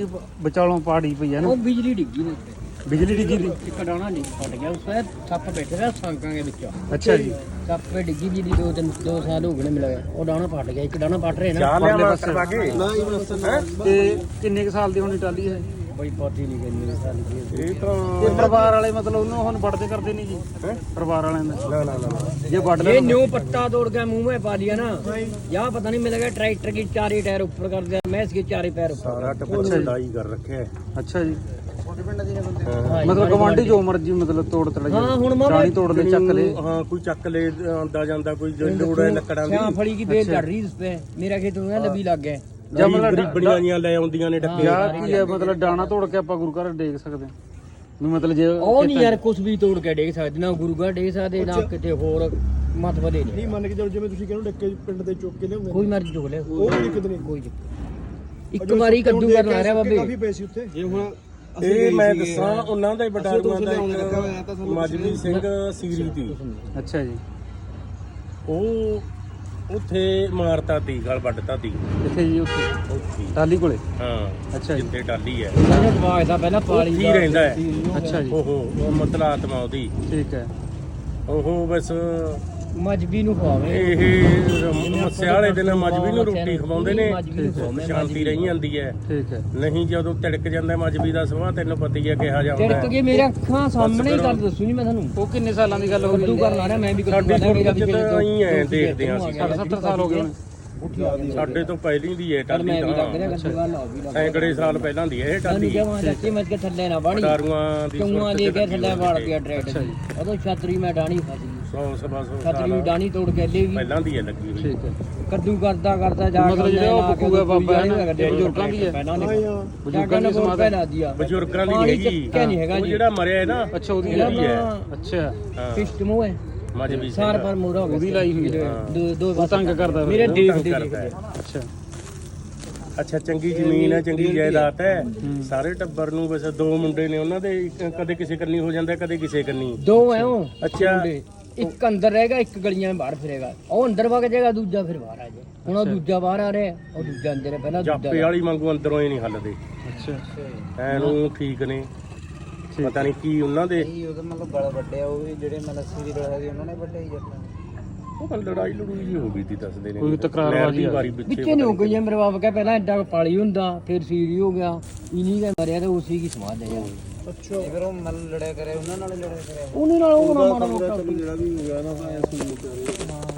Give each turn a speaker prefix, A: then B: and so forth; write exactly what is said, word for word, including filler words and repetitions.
A: ਵਿਚਾਲੋਂ ਪਾੜੀ ਪਈ ਹੈ ਨਾ।
B: ਉਹ ਬਿਜਲੀ ਡਿੱਗੀ ਨੇ ਉੱਤੇ,
A: ਬਿਜਲੀ ਡਿੱਗੀ ਦੀ।
B: ਇੱਕ ਡਾਣਾ ਨਹੀਂ ਫਟ ਗਿਆ, ਉਸ ਵੇਲੇ ਸੱਪ ਬੈਠੇ ਰਿਹਾ ਸੰਕਾਂ ਦੇ ਵਿੱਚ।
A: ਅੱਛਾ ਜੀ।
B: ਸੱਪ ਤੇ ਡਿੱਗੀ ਜੀ ਦੀ ਦੋ ਤਿੰਨ ਦੋ ਸਾਲ ਹੋ ਗਏ ਨੇ ਮਿਲਿਆ, ਉਹ ਡਾਣਾ ਫਟ ਗਿਆ, ਇੱਕ ਡਾਣਾ ਫਟ ਰਿਹਾ ਨਾ।
C: ਚਾਹ
A: ਪਰਲੇ
C: ਲਿਆ
A: ਪਾਸੇ।
C: ਕਰਵਾ ਕੇ
B: ਨਾ ਹੀ ਬਸ
A: ਤੇ ਕਿੰਨੇ ਕੁ ਸਾਲ ਦੀ ਹੋਣੀ ਟਾਲੀ ਹੈ?
B: ਬਈ ਪਤਾ ਹੀ ਨਹੀਂ ਗਈ ਮੇਰੇ ਸਾਲ ਦੀ।
C: ਇਹ ਤਾਂ
A: ਤੇ ਪਰਿਵਾਰ ਵਾਲੇ ਮਤਲਬ ਉਹਨੂੰ ਹੁਣ ਵੱਢਦੇ ਕਰਦੇ ਨਹੀਂ ਜੀ ਪਰਿਵਾਰ ਵਾਲਿਆਂ ਦਾ?
C: ਨਾ ਨਾ ਨਾ
A: ਜੇ ਵੱਢ
B: ये
A: ਲੈ
B: न्यू पत्ता तोड़ के मुंह में पा लिया ना, यहाँ पता नहीं मिलेगा। ट्रैक्टर की चारे टायर ऊपर कर दिया, भैंस के चारे पैर ऊपर।
C: ਸਾਰਾ ਟੱਬਰ ਲੜਾਈ ਕਰ ਰੱਖਿਆ ਹੈ।
A: ਅੱਛਾ ਜੀ।
B: हाँ,
A: ਮਤਲਬ ਗਵਾਂਢੀ ਜੋ ਮਰਜੀ ਮਤਲਬ ਤੋੜ ਤੜਾ
B: ਹਾਂ, ਹੁਣ ਮਾਮਾ
A: ਰਾਣੀ ਤੋੜ ਲੈ ਚੱਕ ਲੈ।
C: ਹਾਂ ਕੋਈ ਚੱਕ ਲੈ ਆਂਦਾ ਜਾਂਦਾ, ਕੋਈ ਲੋੜ ਹੈ ਲੱਕੜਾਂ ਦੀ।
B: यहाँ फड़ी की बेल चढ़ रही उस पे, मेरा खेत में लबी लग गए।
A: ਜਾਂ ਮਤਲਬ
C: ਗਰੀਬਣੀਆਂ ਜੀਆਂ ਲੈ ਆਉਂਦੀਆਂ ਨੇ ਡੱਕੇ।
A: ਯਾਰ ਕੀ ਹੈ ਮਤਲਬ ਡਾਣਾ ਤੋੜ ਕੇ ਆਪਾਂ ਗੁਰੂ ਘਰ ਡੇਗ ਸਕਦੇ ਹਾਂ ਵੀ ਮਤਲਬ ਜੇ
B: ਉਹ ਨਹੀਂ ਯਾਰ ਕੁਝ ਵੀ ਤੋੜ ਕੇ ਡੇਗ ਸਕਦੇ, ਨਾ ਗੁਰੂ ਘਰ ਡੇਗ ਸਕਦੇ, ਨਾ ਕਿਤੇ ਹੋਰ ਮਤ ਵਧੇ ਨਹੀਂ।
D: ਮੰਨ ਕੇ ਚਲੋ ਜਿਵੇਂ ਤੁਸੀਂ ਕਹਿੰਦੇ ਡੱਕੇ ਪਿੰਡ ਦੇ ਚੁੱਕ ਕੇ ਲਿਆਉਂਦੇ
B: ਕੋਈ ਮਰਜ਼ੀ ਚੁੱਕ ਲੈ,
D: ਉਹ ਨਹੀਂ ਕਿਤੇ ਨਹੀਂ
B: ਕੋਈ ਇੱਕ ਵਾਰੀ ਕੱਦੂ ਕਰਨ ਆ ਰਿਹਾ ਬਾਬੇ।
D: ਕਾਫੀ ਪੈਸੇ ਉੱਥੇ ਜੇ ਹੁਣ
C: ਇਹ ਮੈਂ ਦੱਸਾਂ ਉਹਨਾਂ ਦਾ ਹੀ ਬਟਾਲੂਆਂ ਦਾ ਇੱਕ ਮਜਬੀ ਸਿੰਘ ਸੀਰੀ ਦੀ।
A: ਅੱਛਾ ਜੀ।
C: ਉਹ ਉੱਥੇ ਮਾਰਤਾ ਤੀ, ਗਲ ਵੱਢਤਾ ਤੀ
A: ਕਿੱਥੇ ਜੀ? ਉੱਥੇ
C: ਉੱਥੇ
A: ਟਾਲੀ ਕੋਲੇ?
C: ਹਾਂ
A: ਅੱਛਾ ਜੀ।
C: ਜਿੱਥੇ ਟਾਲੀ ਹੈ
B: ਇਹਨੇ ਜਵਾਜ ਦਾ ਪਹਿਲਾਂ ਪਾਲੀ
C: ਉੱਥੇ ਹੀ ਰਹਿੰਦਾ ਹੈ।
A: ਅੱਛਾ ਜੀ।
C: ਉਹ ਉਹ ਮਤਲਬ ਆਤਮਾ ਉਹਦੀ
A: ਠੀਕ ਹੈ।
C: ਉਹ ਬਸ
B: ਮਜਬੀ ਨੂੰ ਖਵਾਵੇ।
C: ਇਹ ਮੱਸਿਆ ਵਾਲੇ ਦਿਨ ਮਜਬੀ ਨੂੰ ਰੋਟੀ ਖਵਾਉਂਦੇ ਨੇ,
B: ਮਜਬੀ ਨੂੰ ਖਵਾਉਂਦੇ,
C: ਸ਼ਾਂਤੀ ਰਹੀ ਜਾਂਦੀ ਹੈ।
A: ਠੀਕ ਹੈ।
C: ਨਹੀਂ ਜਦੋਂ ਤਿੜਕ ਜਾਂਦਾ ਮਜਬੀ ਦਾ ਸੁਭਾਅ ਤੈਨੂੰ ਪਤਾ ਹੀ ਹੈ ਕਿਹਾ ਜਾਂਦਾ
B: ਤਿੜਕ ਕੇ ਮੇਰੇ ਅੱਖਾਂ ਸਾਹਮਣੇ ਹੀ ਕਰ ਦੱਸੂ ਨਹੀਂ ਮੈਂ ਤੁਹਾਨੂੰ।
A: ਉਹ ਕਿੰਨੇ ਸਾਲਾਂ ਦੀ ਗੱਲ ਹੋ
B: ਕੱਦੂ
A: ਗਈ?
B: ਕਰਨ ਆ ਰਿਹਾ ਮੈਂ ਵੀ ਕੱਦੂ
C: ਸਾਡੀ
B: ਕਰਦਾ, ਮੇਰਾ
C: ਫੋਟੋ
B: ਵੀ
C: ਚ ਤਾਂ ਹੀ ਐ ਦੇਖਦੇ ਹਾਂ ਅਸੀਂ।
A: ਸੱਠ ਸੱਤਰ ਸਾਲ ਹੋ ਗਏ ਹੁਣ।
C: ਸਾਡੇ ਤੋਂ ਪਹਿਲੀ ਦੀ ਹੈ
B: ਪਰ
C: ਟਾਲੀ
B: ਮੈਂ ਵੀ ਲੱਗ
C: ਤਾਂ
B: ਰਿਹਾ ਕੱਦੂ ਵਾਲ ਆ ਵੀ ਲੱਗ
C: ਸੈਂਕੜੇ ਸਾਲ ਪਹਿਲਾਂ ਦੀ ਹੈ ਇਹ
B: ਸਾਨੂੰ
C: ਟਾਲੀ।
B: ਕਿਹਾ ਚਾਚੀ ਮੱਝ ਕੇ ਥੱਲੇ ਨਾ ਬਾਣੀ,
C: ਡਾਰੂਆਂ ਦੀ
B: ਚੌਂਆਂ
C: ਸੁਰਤ
B: ਦੇ
C: ਚ
B: ਕੇ ਥੱਲੇ
C: ਲੱਗੀ
B: ਵਾੜ
C: ਹੋਈ
B: ਪਿਆ ਟਰੈਕਟਰ ਦੀ। ਉਦੋਂ ਛਤਰੀ ਮੈਂ ਡਾਣੀ ਫਸ ਗਈ,
C: ਸੌ ਸਵਾ ਸੌ
B: ਛਤਰੀ
C: ਸਾਲ
B: ਡਾਣੀ ਤੋੜ ਕੇ ਲੈ ਗਈ।
C: ਪਹਿਲਾਂ ਦੀ ਹੈ ਲੱਗੀ ਹੋਈ।
A: ਠੀਕ ਹੈ।
B: ਕੱਦੂ ਕਰਦਾ ਕਰਦਾ ਜਾ
A: ਮਤਲਬ ਜਿਹੜਾ ਉਹ
B: ਲੈ ਕੇ
A: ਬਕੂਗਾ ਬਾਬਾ ਹੈ ਨਾ,
B: ਬਜ਼ੁਰਗਾਂ
A: ਬਜ਼ੁਰਗਾਂ ਦੀ ਹੈ।
B: ਬਜ਼ੁਰਗਾਂ ਨੇ ਬਹੁਤ ਪਹਿਲਾ ਦਿਆ,
C: ਬਜ਼ੁਰਗਾਂ ਦੀ
B: ਪਾਣੀ
C: ਨਹੀਂ ਹੈਗੀ।
B: ਚੱਕਿਆ ਨਹੀਂ ਹੈਗਾ
C: ਉਹ
B: ਜੀ।
C: ਜਿਹੜਾ ਮਰਿਆ ਹੈ ਨਾ
A: ਅੱਛਾ ਉਹਦੀ
B: ਇਹਦਾ
C: ਉਹਦੀ ਹੈ।
B: ਤਾਂ
A: ਅੱਛਾ
C: ਹਾਂ
B: ਸਿਸਟਮ ਉਹ ਹੈ,
C: ਮਜਬੀ
B: ਸਾਰ ਪਰ ਮੋੜਾ ਹੋ ਗਿਆ।
A: ਉਹਦੀ ਲਾਈ ਹੋਈ ਹੈ।
B: ਦੋ ਦੋ
A: ਉਹ ਤੰਗ ਕਰਦਾ ਫਿਰ।
B: ਮੇਰੇ
C: ਉਹ
B: ਦੇਖ
C: ਤੰਗ
B: ਦੇ
C: ਕਰਦਾ ਹੈ।
A: ਅੱਛਾ।
C: ਅੱਛਾ ਚੰਗੀ ਜ਼ਮੀਨ ਹੈ, ਚੰਗੀ ਜਾਇਦਾਦ ਹੈ। ਸਾਰੇ ਟੱਬਰ ਨੂੰ ਬਸ ਦੋ ਮੁੰਡੇ ਨੇ ਉਹਨਾਂ ਦੇ, ਇੱਕ- ਕਦੇ ਕਿਸੇ ਕੰਨੀ ਹੋ ਜਾਂਦਾ, ਕਦੇ ਕਿਸੇ ਕੰਨੀ।
B: ਦੋ ਹੈ ਉਹ
C: ਅੱਛਾ।
B: ਮੁੰਡੇ। ਇੱਕ ਅੰਦਰ ਰਹੇਗਾ, ਇੱਕ ਗਲੀਆਂ ਵਿੱਚ ਬਾਹਰ ਫਿਰੇਗਾ। ਉਹ ਅੰਦਰ ਵਗ ਜਾਏਗਾ, ਦੂਜਾ ਫਿਰ ਬਾਹਰ ਆ ਜਾਏ। ਹੁਣ ਉਹ ਦੂਜਾ ਬਾਹਰ ਆ ਰਿਹਾ, ਉਹ ਦੂਜਾ ਅੰਦਰ ਹੈ, ਪਹਿਲਾਂ
C: ਜਾਪੇ
B: ਦੂਜਾ।
C: ਵਾਲੀ ਵਾਂਗੂ ਅੰਦਰੋਂ ਹੀ ਨਹੀਂ ਹੱਲਦੇ
A: ਅੱਛਾ।
C: ਐਨੂੰ ਠੀਕ ਨੇ, ਪਤਾ ਨਹੀਂ ਕੀ ਉਹਨਾਂ ਦੇ।
E: ਉਹਦੇ ਮਤਲਬ ਗਲ ਵੱਡੇ ਆ, ਉਹ ਵੀ ਜਿਹੜੇ ਮਤਲਬ ਸੀਰੀ ਗਲ ਸੀ ਉਹਨਾਂ ਨੇ ਵੱਡੇ ਹੀ ਜੱਟਾਂ।
C: ਉਹ ਤਾਂ ਲੜਾਈ ਲੜੂਈ ਜੀ ਹੋ ਗਈ ਤੀ ਦੱਸਦੇ ਨੇ।
A: ਕੋਈ ਤਕਰਾਰ
C: ਨਹਿਰ
A: ਵਾਲੀ
C: ਦੀ
A: ਆ।
C: ਵਾਰੀ
B: ਵਿੱਚੇ
C: ਪਿੱਛੇ
B: ਨਹੀਂ ਹੋ ਗਈ ਜੇ ਮੇਰੇ ਬਾਪ ਕਹੇ ਪਹਿਲਾਂ ਐਡਾ ਪਾਲੀ ਹੁੰਦਾ, ਫਿਰ ਸੀਰੀ ਹੋ ਗਿਆ, ਇਨੀ ਦਾ ਮਰਿਆ ਤੇ ਉਸੇ ਕੀ ਸਮਾਦ ਹੈ ਯਾਰ।
E: ਅੱਛਾ ਫਿਰ ਉਹ ਮਤਲਬ ਲੜਿਆ ਕਰੇ ਉਹਨਾਂ ਨਾਲ ਹੀ ਲੜਿਆ ਕਰਿਆ।
B: ਉਹਨੇ ਨਾਲ ਉਹ ਨਾ ਮਾੜਾ ਮੋਟਾ
D: ਜਿਹੜਾ ਵੀ ਹੋ ਗਿਆ ਨਾ ਐ ਸੁਣ ਲੋ